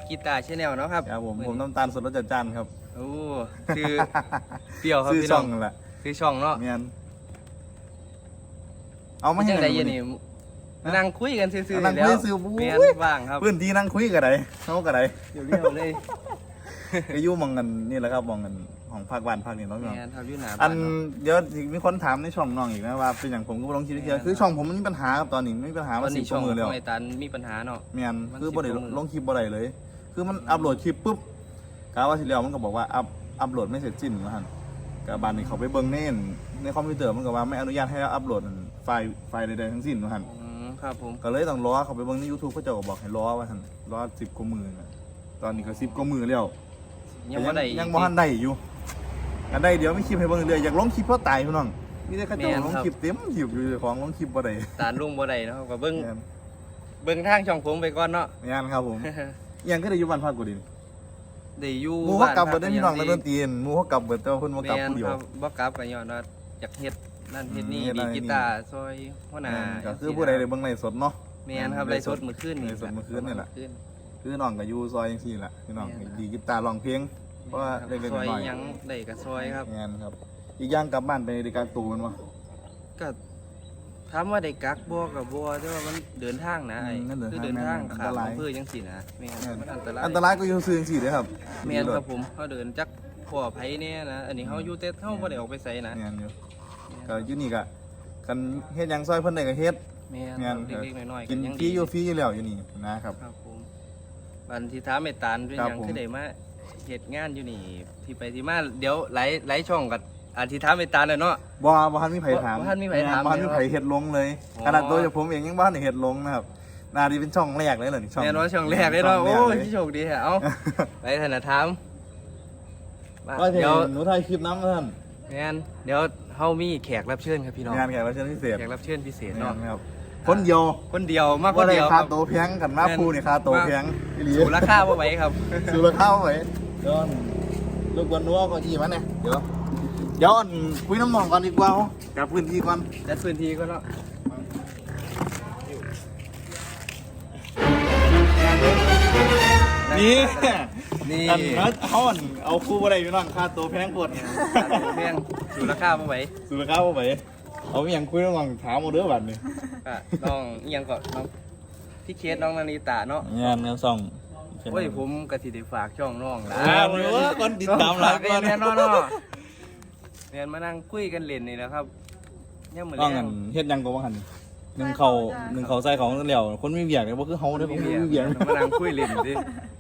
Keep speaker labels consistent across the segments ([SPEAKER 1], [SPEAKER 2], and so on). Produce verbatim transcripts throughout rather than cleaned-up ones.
[SPEAKER 1] กีตาร์ชแนลเนาะครับ
[SPEAKER 2] ครับผมผมน้ำตาลสดรสจัดจ้านครับ
[SPEAKER 1] โอ้คือเปรี้ยวครับ
[SPEAKER 2] ชื่อ
[SPEAKER 1] พี่
[SPEAKER 2] ช่
[SPEAKER 1] น้
[SPEAKER 2] อ
[SPEAKER 1] อง ง
[SPEAKER 2] นั่นแหละ
[SPEAKER 1] คือช่องเนาะ
[SPEAKER 2] เมียนเอามาให้
[SPEAKER 1] จัง
[SPEAKER 2] ไหน
[SPEAKER 1] ได๋ยันนี่นั่งคุยกันซื่อๆ
[SPEAKER 2] นั่ง
[SPEAKER 1] แล้ว
[SPEAKER 2] คุยซื่อๆ
[SPEAKER 1] แม่น
[SPEAKER 2] อุ้ย
[SPEAKER 1] ว่างครับ
[SPEAKER 2] พื้นที่นั่งคุยกันไดเขากันได
[SPEAKER 1] เดี๋ยวเรียวเลย
[SPEAKER 2] ก็อยู่มองกันนี่แหละครับมองกันของภาคบ้านภาคนี้เนาะพี่น้อง
[SPEAKER 1] แม่นครับอยู่หน้า
[SPEAKER 2] อั
[SPEAKER 1] บ้าน นเนาะ
[SPEAKER 2] เดี๋ยวมีคนถามในช่องน้องอีกนะว่าเป็นอย่างผมก็บ่ลองคิดเดียวคือช่องผมมันมีปัญหาครับตอนนี้มีปัญหา
[SPEAKER 1] ต
[SPEAKER 2] มา
[SPEAKER 1] อน
[SPEAKER 2] สิ
[SPEAKER 1] นี้
[SPEAKER 2] บก
[SPEAKER 1] ช่อ
[SPEAKER 2] ว่าง มือ
[SPEAKER 1] ข
[SPEAKER 2] แล้ว
[SPEAKER 1] องไอ้ตันมีปัญหาเนาะ
[SPEAKER 2] เมียน
[SPEAKER 1] มัน
[SPEAKER 2] คือบ่ได้
[SPEAKER 1] สิบกว่ามื้อ
[SPEAKER 2] ลงคลิปบ่ได้เลย คือมันอัปโหลดคลิปปุ๊บกะว่าสิแล้วมันก็บอกว่าอัพอัปโหลดไม่เสร็จสิ้นว่าหั่นกะบานนี้เขาไปเบิ่งเน่นในคอมพิวเตอร์มันก็ว่าไม่อนุญาตให้อัปโหลดไฟล์ไฟล์ใดๆทั้งสิ้นว่าหั่น
[SPEAKER 1] อืมครับผม
[SPEAKER 2] ก็เลยต้องรอเขาไปเบิ่งใน YouTube เขาเจ้าก็บอกให้รอว่าหั่นรอสิบกว่ามื้อน่ะตอนนี้ก็สิบกว่ามื้อแล้ว
[SPEAKER 1] ยังบ่ได้
[SPEAKER 2] ยังบ่ทันได้อยู่อันใดเดี๋ยวมีคลิปให้เบิ่งเรื่อยๆอยากลงคลิปเพราะตายพี่น้องมีแต่เขาเจ้าลงคลิปเต็มคลิปอยู่เจ้าของลงคลิปบ่ได้
[SPEAKER 1] ตานลุงบ่ได้เนาะก็เบิ่ง
[SPEAKER 2] แม่น
[SPEAKER 1] เบิ่งทางช่องผมไปก่อนเนาะ
[SPEAKER 2] แม่นครับผมยังก็ได้อยู่บ้านพักกูดิ
[SPEAKER 1] ได้อยู่
[SPEAKER 2] หมู่เขากลับเบิดได้พี่น้องนักดนตรีหมู่เขากลับเบิดแต่ว่าเพิ่นบ่กลับ
[SPEAKER 1] แม่น
[SPEAKER 2] ผู้เดียว
[SPEAKER 1] ครับบ่กลับก็ย้อนว่าอยากเฮ็ดนั่นเฮ็ดนี่
[SPEAKER 2] อืมเฮ็ดนั่
[SPEAKER 1] ดี
[SPEAKER 2] นเฮ็ดนี่
[SPEAKER 1] กีตาร์ซอยหัวหน้า
[SPEAKER 2] ก็คือผู้ใดได้เบิ่งไลฟ์สดเนาะ
[SPEAKER 1] แม่นครับไลฟ์สดมื้อคืนนี่
[SPEAKER 2] ไลฟ์สดมื้อคืนนี่แหละ
[SPEAKER 1] มื้อ
[SPEAKER 2] คือน้องก็อยู่ซอยจังซี่แหละพี่น้อง
[SPEAKER 1] แม่น
[SPEAKER 2] ดีกีตาร์ร้องเพลงเพราะว่า
[SPEAKER 1] ครับ
[SPEAKER 2] เล็ก
[SPEAKER 1] ซอย
[SPEAKER 2] ๆน้อย
[SPEAKER 1] หยังได้ก็ซอยครับ
[SPEAKER 2] ๆงานครับ อีกอย่างกลับบ้านไปในการตูมันวะ
[SPEAKER 1] ก็ถามว่าได้กักบ่ก็บ่แต่ว่ามันเดินทางนะไอ้
[SPEAKER 2] อืมนั่นเดิน
[SPEAKER 1] คือ
[SPEAKER 2] ทาง
[SPEAKER 1] เดินทาง
[SPEAKER 2] แม่น
[SPEAKER 1] ข้าม
[SPEAKER 2] อันตราย
[SPEAKER 1] อำเภอจังซี่นะแม่นมันอันตราย
[SPEAKER 2] อันตรายก็อยู่ซื่อจังซี่เด้อครับ
[SPEAKER 1] แม่นครับผมเฮาเดินจักพ่อไผแน่นะอันนี้เฮาอยู่แต่เฮาบ่ได้ออกไปไสนะ
[SPEAKER 2] งานอยู่ก็อยู่นี่ก็คันเฮ็ดหยังซอยเพิ่นได้ก็เฮ็ด
[SPEAKER 1] แม่น
[SPEAKER 2] งาน
[SPEAKER 1] ครับเล็กๆน้อยๆ
[SPEAKER 2] กิน
[SPEAKER 1] ยัง
[SPEAKER 2] ฟรีอยู่ฟรีอยู่แล้วอยู่นี่นะครับ
[SPEAKER 1] ครับผมบันที่ถามไอ้ตาลด้วย
[SPEAKER 2] ครับ
[SPEAKER 1] หยัง
[SPEAKER 2] ผม
[SPEAKER 1] คือได้มาเฮ็ดงานอยู่นี่ที่ไปที่มาเดี๋ยวหลายหลายช่องก็อาทิถามไอ้ตาลน่ะเนาะ
[SPEAKER 2] บ่บ่ทันมีไผถาม
[SPEAKER 1] บ่ทันมีไผถาม
[SPEAKER 2] บ่ทันมีไผเฮ็ดลงเลย
[SPEAKER 1] อ๋อ
[SPEAKER 2] ขนาดตัวผมเองยังบ่ทันได้เฮ็ดลงนะครับน่าจะเป็นช่องแรกเลยเหรอนี่ช่อง
[SPEAKER 1] แม่นว่าช่องแรกเลยเนาะ
[SPEAKER 2] ช่ง
[SPEAKER 1] โอ้
[SPEAKER 2] แรก
[SPEAKER 1] ย
[SPEAKER 2] เลย
[SPEAKER 1] โชคดีแฮะเอ้าไปธนาถามมา
[SPEAKER 2] ก็เห็น
[SPEAKER 1] เดี๋ยว
[SPEAKER 2] หนูถ่ายคลิปน้ำท่าน
[SPEAKER 1] แม่นเดี๋ยวเฮามีแขกรับเชิญครับพี่น้อง
[SPEAKER 2] งานแขกรับเชิญพิเศษ
[SPEAKER 1] แขกรับเชิญพิเศษ
[SPEAKER 2] งา
[SPEAKER 1] เนาะ
[SPEAKER 2] นครับคนเดียว
[SPEAKER 1] คนเดียวมากค
[SPEAKER 2] ว่าน ได้
[SPEAKER 1] เดียวค
[SPEAKER 2] ค่า
[SPEAKER 1] รับ
[SPEAKER 2] โตวแพงกันมา
[SPEAKER 1] แม่น
[SPEAKER 2] พูนี่ค่าโตวแพงอีหลี
[SPEAKER 1] สูราคาบ่ไหวครับ
[SPEAKER 2] สูราคาไว้เดี๋ยวลูกบอลนัวก็ยี่มันเนี่ยเดี๋ยวเดี๋ยวอันคุยน้ำหนองก่อนดีกว่ากับพื้นที่ก่อน
[SPEAKER 1] จัดพื้นที่ก็เนาะ
[SPEAKER 2] นี่
[SPEAKER 1] นี่
[SPEAKER 2] กันนะเขาอันเอาคู่อะไรพี่น้องค่าโตวแพงปวด
[SPEAKER 1] แม่งสูราคาบ่ไหว
[SPEAKER 2] สูราคาเอาไปเอาอหย่างคุยน้ำหนองถามเอาเด้อบัดนี้
[SPEAKER 1] ก็น้องอิหยังก็น้องพี่เคสน้องนาริตาเนาะ
[SPEAKER 2] งานแนวส่อง
[SPEAKER 1] โอ้ยผมก็สิได้ฝากช่องน้องล่ะ
[SPEAKER 2] อ่าหรือว่าคนติดตามหลายคน
[SPEAKER 1] แน่นอนเนาะเรียนมานั่งคุยกันเล่นนี่แหละครับยังมื้อ
[SPEAKER 2] ก็
[SPEAKER 1] แร
[SPEAKER 2] งั
[SPEAKER 1] ง
[SPEAKER 2] นเฮ็ดหยังก็ว่าหันหนึ่งเขาหนึ่งเขาใส่ของเหลียวคนมีเบียกเลยบ่คือเฮาเด้อผมมีเบียก
[SPEAKER 1] มานั่งคุยเล่นสิ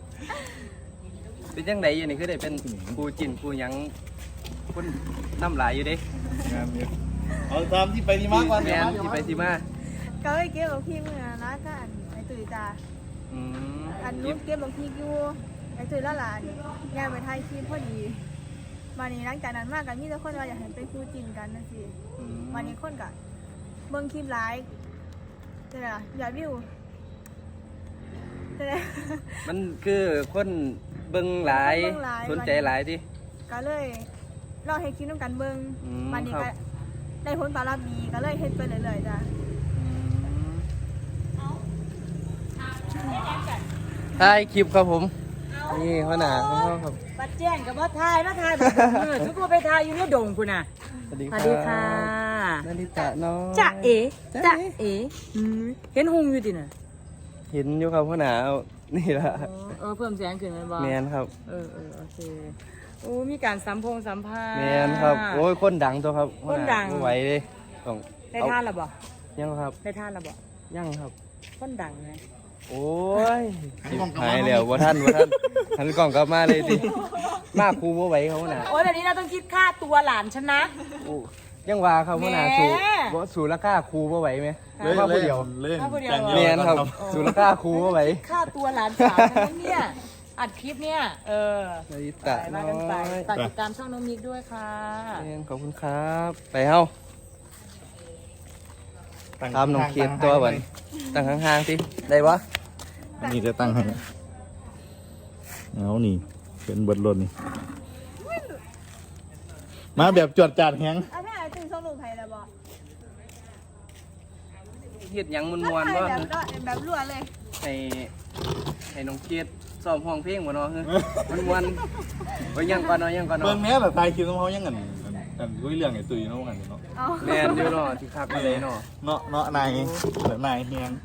[SPEAKER 1] เป็นจังไดอยู่นี่คือได้เป็นครูจินครูหยังคนน้ำลายอยู่เด้
[SPEAKER 2] งานนี้เอาตามที่ไปที่มาก่อน
[SPEAKER 1] แม่นที่ไปที่มา
[SPEAKER 3] ก็ไปเก็บบักพริกเมื่อนะก็อันไอตุ๋ยจ้า
[SPEAKER 1] อืม
[SPEAKER 3] อันนู้นเก็บบักพริกอยู่ไอตุ๋ยละหลานงานไปถ่ายคลิปพอดีมานี้หลังจากนั้นมากกันมีแต่คนว่าอยากเห็นเป็นคู่จินกันนั่นสิ
[SPEAKER 1] อืม
[SPEAKER 3] วันนี้คนกับเบิ่งคลิปไลฟ์ใช่ไหมล่ะยอดวิวใช่ไหม
[SPEAKER 1] มันคือคนเบิ่งหลาย
[SPEAKER 3] เบิ่งหลาย
[SPEAKER 1] สนใจหลายดิ
[SPEAKER 3] ก็เลยลองให้คลิปน้ำกันเบิ่ง
[SPEAKER 1] อืม
[SPEAKER 3] วันนี้
[SPEAKER 1] ครั
[SPEAKER 3] ก็
[SPEAKER 1] บ
[SPEAKER 3] ได้ผลตอบรับดีก็เลยเฮ็ดไปเรื่อยๆจ้ะ
[SPEAKER 1] ถ่ายคลิปครับผม นี่หัวหน้าของเขาครับ
[SPEAKER 4] บัดแจ้งกับว่าทายมาทายแบบเออทุกคนไปทายอยู่ในดงคุณน่ะ
[SPEAKER 1] สวัสดี
[SPEAKER 4] สวัสดีค่ะ
[SPEAKER 1] นาริตะน้อย
[SPEAKER 4] จะเอ๋
[SPEAKER 1] จ๊ะ
[SPEAKER 4] จะ
[SPEAKER 1] เอ๋
[SPEAKER 4] เอ๋อืมเห็นหุงอยู่ดิน่ะ
[SPEAKER 1] เห็นอยู่ครับหัวหน้าเอานี่ละ
[SPEAKER 4] อ๋อเออเพิ่มเสียงขึ้นมันบ่
[SPEAKER 1] แมนครับ
[SPEAKER 4] เออเออโอเคโอ้มีการสัมพงสัมภาษณ์
[SPEAKER 1] แมนครับ โอ้ยคนดังตัวครับหัวห
[SPEAKER 4] คนดัง
[SPEAKER 1] บ่ไหวเลยต้อง
[SPEAKER 4] ได้ท่านละบ่
[SPEAKER 1] ยังครับ
[SPEAKER 4] ได้ท่านละบ่
[SPEAKER 1] ยังครับ
[SPEAKER 4] คนดังไง
[SPEAKER 1] โอ้ยหายแล้วว่าท่านว่าท่านหันกล่องกลับมาเลยสิมาครูบ่ไหวเขาหัวหน้า
[SPEAKER 4] โอ้ยแบบนี้เราต้องคิดค่าตัวหลานฉันนะ
[SPEAKER 1] โอ้ยังว่าครับหัวหน้า
[SPEAKER 4] แหม
[SPEAKER 1] สู่บ่สู่ราคาครูบ่ไหวไหม
[SPEAKER 2] เลย
[SPEAKER 1] มาผู้เดียว
[SPEAKER 2] เล่น
[SPEAKER 4] มาผู้เดียว
[SPEAKER 2] แต่ง
[SPEAKER 1] แม
[SPEAKER 2] เดียวน
[SPEAKER 1] ครับ
[SPEAKER 2] ก่อน
[SPEAKER 1] สู่ราคาครูบ่ไหว
[SPEAKER 4] ค่าตัวหลานสาวฉันนะเนี่ยอัดคลิปเนี่ยเออ
[SPEAKER 1] นาริ
[SPEAKER 4] ไป
[SPEAKER 1] ตะน้
[SPEAKER 4] มา
[SPEAKER 1] อ
[SPEAKER 4] กันไป
[SPEAKER 1] ย
[SPEAKER 4] ฝากติดตามช่องน้องมิกด้วยค่ะ
[SPEAKER 1] แมนขอบคุณครับ ไปเฮ้าตามน้องเคียนตัวบันตั้งห่างๆสิได้ปะ
[SPEAKER 2] นี่จะตั้งให้เอานี่เป็นเบิดรถนี่มาแบบจวดจาดแฮง
[SPEAKER 3] อ่ะถ้าไอตุ๋ยส่งรูปให้แล้วบ่
[SPEAKER 1] เฮ็ดหยังม
[SPEAKER 3] ก็
[SPEAKER 1] วนๆ
[SPEAKER 3] ถ่าย
[SPEAKER 1] ว่า
[SPEAKER 3] แบบแบบรัวเลย
[SPEAKER 1] ให้ให้ให้น้องเกดซ้อมห้องเพลงบ่เนาะมันม่วนบ่ยังก่อนเนาะยังก่อน
[SPEAKER 2] เบิ่
[SPEAKER 1] เนาะ
[SPEAKER 2] งแม่แบบถ่ายคลิปของเขายังกันกันคุยเรื่องไอ้ตุ้ยเนาะกันเนาะ
[SPEAKER 3] เอา
[SPEAKER 1] แม่นอยู่เนาะที่คักมาเลยเนาะ
[SPEAKER 2] เนาะเนาะนายแบบนายเฮียง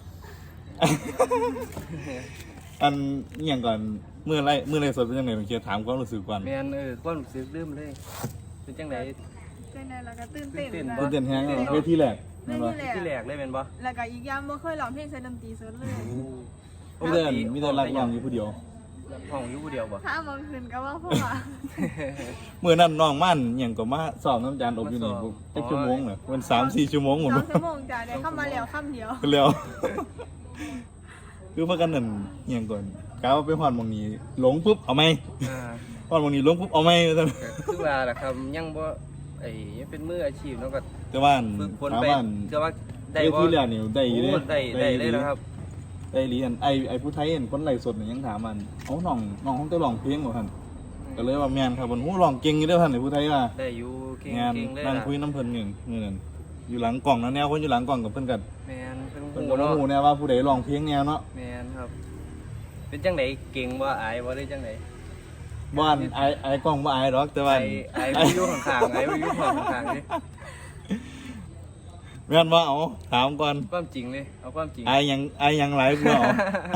[SPEAKER 2] อันเงียงก่อนเมื่อไรเมื่อไรสดเป็นยังไงผมเชียร์ถามความรู้สึกก่อน
[SPEAKER 1] แม่นเออความรู้สึกลืมเลยเป็นจังได๋
[SPEAKER 3] เป็นไงแล้วก็ตื่นเต้น
[SPEAKER 1] ตื่น
[SPEAKER 3] นะ
[SPEAKER 1] เต้
[SPEAKER 2] ตื่นเต้นแฮงเนาะเวทีแรก
[SPEAKER 3] ไม่
[SPEAKER 2] แม่น
[SPEAKER 3] มี
[SPEAKER 2] บ่
[SPEAKER 3] แหละ
[SPEAKER 1] ที่แรกเลยแม่นบ่
[SPEAKER 3] แล้วก็อีกอย่างบ่เคยร้องเพลงใส่ดนตรีสดเลย
[SPEAKER 2] มีแต่อันมีแต่รักน้องอยู่ผู้เดียว
[SPEAKER 1] ห้องอยู่ผู้เดียวบ่
[SPEAKER 3] ถ้าบางคืนก็ว่าพ่อว่า
[SPEAKER 2] เมื่อนั้นน้องมั่นเงียงก็มาสอบน้ำจานอบอยู่นี่จักชั่วโมงเหรอมันสามสี่ชั่วโมงหมด
[SPEAKER 3] สองชั่วโมงจ้ะได้เข้ามาแล้วค่ำเดียว
[SPEAKER 2] เร็ว คือพากันนั่นเงียงก่อนกาวาไปฮอดหมองนี้หลงปุ๊บเอาไหม
[SPEAKER 1] อ่า
[SPEAKER 2] ฮอดหมองนี้หลงปุ๊บเอาไหมว่าซั่น
[SPEAKER 1] ก็คือว่าล่ะครับยังบ่ไอ้ยังเป็นมืออาชีพเนาะก็
[SPEAKER 2] แต่ว่าอัน
[SPEAKER 1] ฝึกฝน
[SPEAKER 2] ถาม
[SPEAKER 1] ไป
[SPEAKER 2] ว่าอัน
[SPEAKER 1] ก็ว่าได้
[SPEAKER 2] เว
[SPEAKER 1] บ่
[SPEAKER 2] ทีแรกนี่ได้อยู่เด้
[SPEAKER 1] โอ้ได้ได้เลยนะครับ
[SPEAKER 2] ได้เรียนไอไอผู้ไทยเห็นคนไล่สดนี่ยังถามมันเอาน้องน้องเขาจะร้องเพลงบ่ท่านก็เลยว่าแม่นครับมันฮู้ร้องเก่งอยู่เด้อท่านไอ้ผู้ไทยว่า
[SPEAKER 1] ได้อยู่เก่ง
[SPEAKER 2] งาน
[SPEAKER 1] เก่งเลย
[SPEAKER 2] นั่ง
[SPEAKER 1] ล่ะ
[SPEAKER 2] คุยน้ำเพิ่นนี่นี่นั่นอยู่หลังกล่องนะแนวคนอยู่หลังกล่องกับเพิ่นกัน
[SPEAKER 1] แม่นเพิ่น
[SPEAKER 2] เพิ่น
[SPEAKER 1] ฮู้
[SPEAKER 2] ก็บ่
[SPEAKER 1] เนาะ
[SPEAKER 2] ฮู้แนวว่าผู้ใดร้องเพลงแนวเนาะ
[SPEAKER 1] แม่นครับ เป็นจังไดเก่งบ่อายบ่ได้จังได
[SPEAKER 2] บ่อันไอไอกล้องบ่อายหรอกแต่ว่า
[SPEAKER 1] ไอ้ไอ้บ่อยู่ข้างๆไอ้บ่อยู่ข้างๆนี่
[SPEAKER 2] แม่นว่าเอาถามก่อน
[SPEAKER 1] ความจริงเลยเอาความจริง
[SPEAKER 2] ไอยังไอยังหลายกูเอา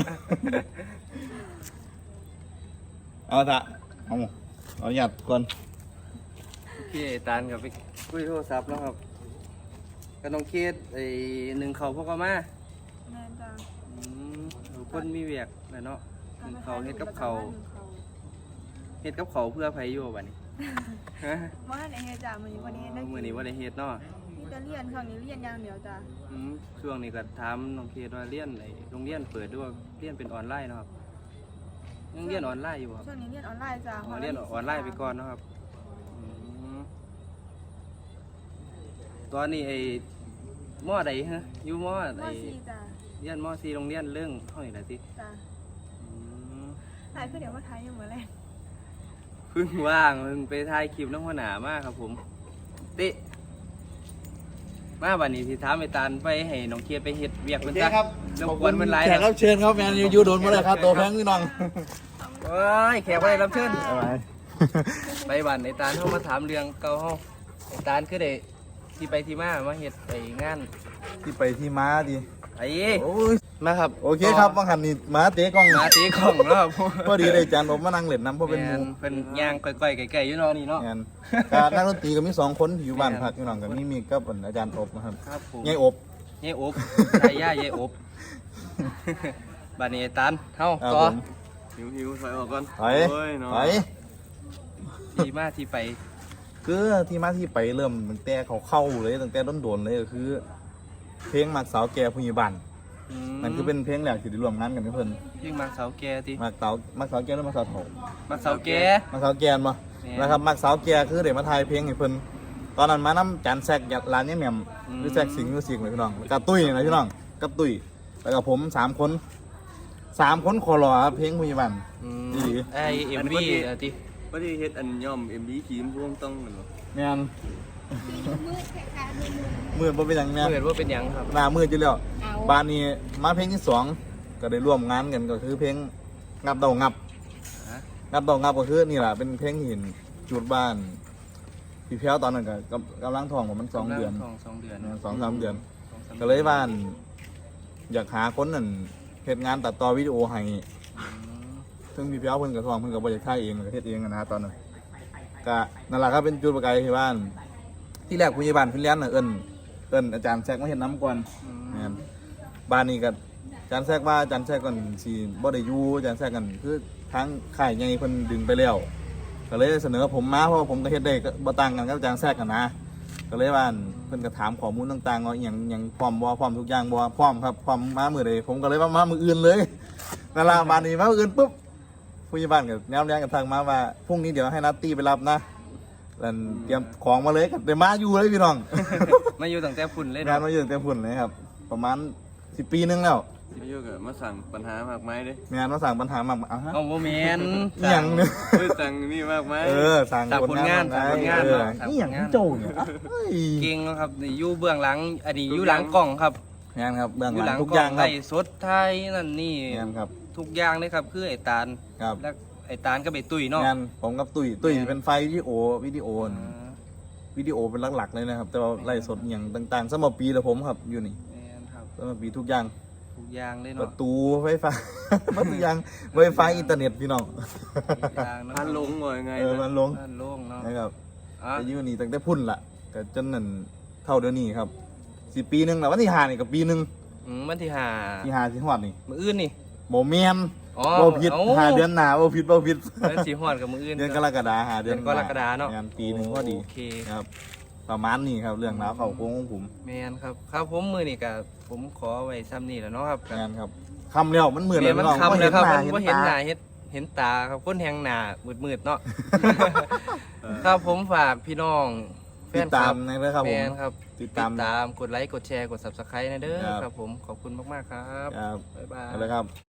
[SPEAKER 2] เอาซะเอาเอาหยัดก่อน
[SPEAKER 1] โอเคตานกับไปคุยโทรศัพท์แล้วครับก็ต้องเคสไอ้หนึ่งเขาพวกเขามา
[SPEAKER 3] แม่นจ้ะ
[SPEAKER 1] อืมคนมีเวียกแหละเนาะหนึ่งเขาเฮ็ดกับเขาเฮ็ดกับเขาเพื่อไผอยู่บัดนี้ฮะ
[SPEAKER 3] ว่าในเฮ็ดจ้ะมื้อนี้วันนี้ได้
[SPEAKER 1] มื้อนี้บ่ได้เฮ็ดเนาะ
[SPEAKER 3] มีแต่เรียนช่วงนี้เรียนอย่างเดียวจ้ะ
[SPEAKER 1] อืมช่วงนี้ก็ถามน้องเคสว่าเรียนไอ้โรงเรียนเปิดด้วยเรียนเป็นออนไลน์เนาะครับยังเรียนออนไลน์อยู่บ่ครับ
[SPEAKER 3] ช่วงนี้เรียนออนไลน์จ้ะ
[SPEAKER 1] อ๋อเรียนออนไลน์ไปก่อนเนาะครับอืมตอนนี้ไอ้มอใดฮะอยู่มอ
[SPEAKER 3] ม
[SPEAKER 1] ไอ้
[SPEAKER 3] สี่จ้ะ
[SPEAKER 1] เรียนมอสี่โรงเรียนเรื่องเท่าไหร่ละสิ
[SPEAKER 3] จ้ะ
[SPEAKER 1] อืม
[SPEAKER 3] หลายคือเดี๋ยวมาไทยอยู่มื้อแรก
[SPEAKER 1] เพิ่งว่างเพิ่งไปถ่ายคลิปน้องหัวหน้ามากครับผมติมาวันนี้ที่ถามไอ้ตาลไปให้น้องเคียดไปเฮ็ดเวียกเป็นซะรบกวนเป็นไร
[SPEAKER 2] แขกรับเชิญครับแมนยูโดนมาเลยครับตัวแพงพี่น้อง
[SPEAKER 1] โอ้ยแขกไปรับเชิญ
[SPEAKER 2] ไป
[SPEAKER 1] ไปบ้านไอ้ตาลเข้ามาถามเรื่องเก่าเฮาไอ้ตาลคือได้ที่ไปที่มามาเฮ็ดไอ้งาน
[SPEAKER 2] ที่ไปที่ม้าดิ
[SPEAKER 1] ไอ้
[SPEAKER 2] โอ้ย
[SPEAKER 1] มาครับ
[SPEAKER 2] โอเคครับบางหันนี่ม้าเตะกล้อง
[SPEAKER 1] มาตีของแล้วครับ
[SPEAKER 2] พอดีเลยจานผมมานั่งเล่นน้ำเพราะเป็นหมู
[SPEAKER 1] แม่เพิ่นย่างก้อยๆไก่ๆอยู่เนาะนี่เนาะ
[SPEAKER 2] งานการนักดนตรีก็มีสองคนที่อยู่บ้านพักพี่น้องกับมีมีกับอาจารย์อบนะครับ
[SPEAKER 1] ครับผม
[SPEAKER 2] ยายอบ
[SPEAKER 1] ยายอบใช่ย่ายายอบบ้านนี้ไอ้ตาลเฮา
[SPEAKER 2] ครับ
[SPEAKER 1] ต่อ
[SPEAKER 2] ผม
[SPEAKER 1] หิวหิวถอยออกก่อน
[SPEAKER 2] ไปไป
[SPEAKER 1] ที่มาที่ไป
[SPEAKER 2] คือที่มาที่ไปเริ่มตั้งแต่เขาเข้าเลยตั้งแต่ต้นโดนๆเลยก็คือ เพลงมักสาวแก่ผู้ใหญ่บ้าน
[SPEAKER 1] อืม
[SPEAKER 2] นั่นคือเป็นเพลงแรกที่ได้ร่วมงานกันกับเพิ่น
[SPEAKER 1] ยิ่งมักเสาแก่ติ
[SPEAKER 2] มักสาวมักสาวแก่หรือมักสาวเฒ่า
[SPEAKER 1] มักเสาแก่
[SPEAKER 2] มักสาวแก่มา
[SPEAKER 1] แม่น
[SPEAKER 2] นะครับมักสาวแก่คือเดี๋ยวมาถ่ายเพลงให้เพิ่นตอนนั้นมาน้ำจานแซกร้านเนี่ยแหม่ม
[SPEAKER 1] อืม
[SPEAKER 2] หรือแซกสิงห์มิวสิกเลยพี่น้องกับตุ้ยนะพี่น้องกับตุ้ยแล้วก็ผมสามคนสามคนคอรอครับเพลงผู้ใหญ่บ้าน
[SPEAKER 1] อืม
[SPEAKER 2] อีหลี
[SPEAKER 1] ไอเอ็มวีอะติ
[SPEAKER 5] ว่าที่เฮ็ดอันย่อม เอ็ม บี ขีมพวงต้องเหมือนบ่
[SPEAKER 2] แม่นมืดบ่เป็นหยังแม่น
[SPEAKER 1] เกิดว่าเป็นหยังครับ
[SPEAKER 2] หน้ามืดอยู่แล้วบ้านนี้มาเพลงที่สองก็ได้ร่วมงานกันก็คือเพลงงับเดางับ
[SPEAKER 1] ฮะ
[SPEAKER 2] งับเดางับก็คือนี่แหละเป็นเพลงที่เห็นจุดบ้านพี่แพ้วตอนนั้นก็กำกำลังท้องของมันสองเดือน
[SPEAKER 1] สองสองเดือน
[SPEAKER 2] สองสามเดือน
[SPEAKER 1] สองสาม
[SPEAKER 2] ก็เลยบ้าน อยากหาคนนั่นเฮ็ดงานตัดต่อวิดีโอให้
[SPEAKER 1] อืม
[SPEAKER 2] ซึ่งพี่แพ้วเพิ่นก็ท้องเพิ่นก็บ่อยากถ่ายเองก็เฮ็ดเองอะนะตอนนั้นก็นั่นแหละครับเป็นจุดประกายที่บ้าน ที่แรกผู้ใหญ่บ้านฟินแลนด์น่ะเอิ้นเอิ้นอาจารย์แซกมาเฮ็ดน้ำก่อน
[SPEAKER 1] อืม
[SPEAKER 2] แม่นบ้านนี้ก็อาจารย์แทรกว่าอาจารย์แทรกก่อนสิบ่ได้อยู่อาจารย์แทรกกันคือทางค่ายใหญ่เพิ่นดึงไปแล้วก็เลยเสนอผมมาเพราะว่าผมก็เฮ็ดได้ก็บ่ต่างกันกับอาจารย์แทรกกันนะก็เลยว่าเพิ่นก็ถามข้อมูลต่างๆว่าอหยังหยังพร้อมบ่พร้อมทุกอย่างบ่พร้อมครับพร้อมมามื้อใดผมก็เลยว่ามามื้ออื่นเลยนั่นล่ะบ้านนี้มามื้ออื่นปุ๊บผู้ใหญ่บ้านก็แนวแรงกันทางมาว่าพรุ่งนี้เดี๋ยวให้นัตตี้ไปรับนะแล้วเตรียมของมาเลยก็ได้มาอยู่เลยพี่น้อง
[SPEAKER 1] มาอยู่ตั้งแต่ฝุ่นเลย
[SPEAKER 2] งาน
[SPEAKER 1] เนาะ
[SPEAKER 2] มาอยู่ตั้งแต่พุ่นเลยครับ ประมาณสิบปีนึงแล้ว
[SPEAKER 5] ที่อยู่กับมาสั่งปัญหามากมายเด้
[SPEAKER 2] งานมาสั่งปัญหามากอ่ะฮะ
[SPEAKER 1] เอาโมเมน
[SPEAKER 2] อหย่างเนี่ย
[SPEAKER 5] เฮ้ยสั่งนี่มากมาย
[SPEAKER 2] เออสั่ง
[SPEAKER 1] สั่งผลงาน
[SPEAKER 2] ผ
[SPEAKER 1] สั่งผลงาน
[SPEAKER 2] เออ
[SPEAKER 1] สั่งผลงาน
[SPEAKER 2] นี่อย่างที่โจเนี่ยเฮ้ย
[SPEAKER 1] เก่งแล้วครับนี่อยู่เบื้องหลังอันนี้อยู่หลังกล้องครับ
[SPEAKER 2] งานครับเบื้อง
[SPEAKER 1] อยู่
[SPEAKER 2] ห
[SPEAKER 1] ห
[SPEAKER 2] ลั
[SPEAKER 1] ลั
[SPEAKER 2] ง
[SPEAKER 1] ง
[SPEAKER 2] ทุก
[SPEAKER 1] ก
[SPEAKER 2] อ
[SPEAKER 1] ล้อย่าง
[SPEAKER 2] ครับ
[SPEAKER 1] ไล่สดไทยนั่นนี่
[SPEAKER 2] งานครับ
[SPEAKER 1] ทุกอย่างเลยครับคือไอ้ตาล
[SPEAKER 2] ครับ
[SPEAKER 1] แล้วไอ้ตาลก็ไปตุ้ยเนาะ
[SPEAKER 2] งานผมกับตุ้ยตุ้ย
[SPEAKER 1] แม่น
[SPEAKER 2] เป็นไฟวิดีโอวิดีโอ
[SPEAKER 1] อ่า
[SPEAKER 2] วิดีโอเป็นหลักๆเลยนะครับ แต่ว่าไล่สดอย่างต่างๆสมบปีแล้วผมครับอยู่นี่
[SPEAKER 1] แม่นครับ
[SPEAKER 2] สมบปีทุกอย่าง
[SPEAKER 1] ทุกอย่างเลย
[SPEAKER 2] ป
[SPEAKER 1] เนาะ
[SPEAKER 2] ระตูไฟฟ้า มันทุกอย่างไวไฟอินเทอร์เน็ตพี่น้อง
[SPEAKER 1] ทุกอย่างเนาะ
[SPEAKER 5] พันลงว่ายังไง
[SPEAKER 2] เออ
[SPEAKER 5] นะ
[SPEAKER 2] มันลง
[SPEAKER 1] บ้านโล่งเนาะ
[SPEAKER 2] นะครับ
[SPEAKER 1] อ่ะ
[SPEAKER 2] แต่อยู่นี่ตั้งแต่พุ่นละก็จนนั่นเท่าเดี๋ยวนี้ครับสิปีหนึงแล้ววันที่ห้านี่กับปีหนึง
[SPEAKER 1] อืมวันที่ห้า
[SPEAKER 2] ที่ห้าที่ฮอดนี่
[SPEAKER 1] มื้ออื่นนี่
[SPEAKER 2] โมเมน
[SPEAKER 1] อ๋อ
[SPEAKER 2] บ่ผิด
[SPEAKER 1] เอ้า
[SPEAKER 2] หาเดือนหน้าบ่ผิดบ่ผิด
[SPEAKER 1] วันสิฮอดกับมื้ออื่น
[SPEAKER 2] เดือนกรกฎาหาเดือน
[SPEAKER 1] เดือนกรกฎาเนาะ
[SPEAKER 2] งานปีหนึงพอดี
[SPEAKER 1] โอเค
[SPEAKER 2] ครับ ประมาณนี้ครับเรื่องราวเข้าโค้งของผม
[SPEAKER 1] แม่นครับครับผมมื้อนี้ก็ผมขอไว้ซ้ำนี่แหล้วเนาะครับ
[SPEAKER 2] งานครับคำแล้วมันเหมือน
[SPEAKER 1] เดี๋ยวมัน
[SPEAKER 2] พี่อง
[SPEAKER 1] คำเลยครับมัน
[SPEAKER 2] เห็
[SPEAKER 1] บ่
[SPEAKER 2] น
[SPEAKER 1] เห็น
[SPEAKER 2] ตา
[SPEAKER 1] หน้าเห็นเห็นตาครับคนแหงหน้ามืดๆเนาะ ครับผมฝากพี่น้องแฟ
[SPEAKER 2] ติด
[SPEAKER 1] นค
[SPEAKER 2] ตา
[SPEAKER 1] ลั
[SPEAKER 2] ม
[SPEAKER 1] บ
[SPEAKER 2] นะครับผ
[SPEAKER 1] แม
[SPEAKER 2] ม
[SPEAKER 1] นครับ
[SPEAKER 2] ติดตาม
[SPEAKER 1] กดไลค์กดแชร์กด Subscribe นะเด้อ
[SPEAKER 2] ครับ
[SPEAKER 1] ครับผมขอบคุณมากๆครับ
[SPEAKER 2] ครับ
[SPEAKER 1] บ๊ายบาย
[SPEAKER 2] เอาเลยครับ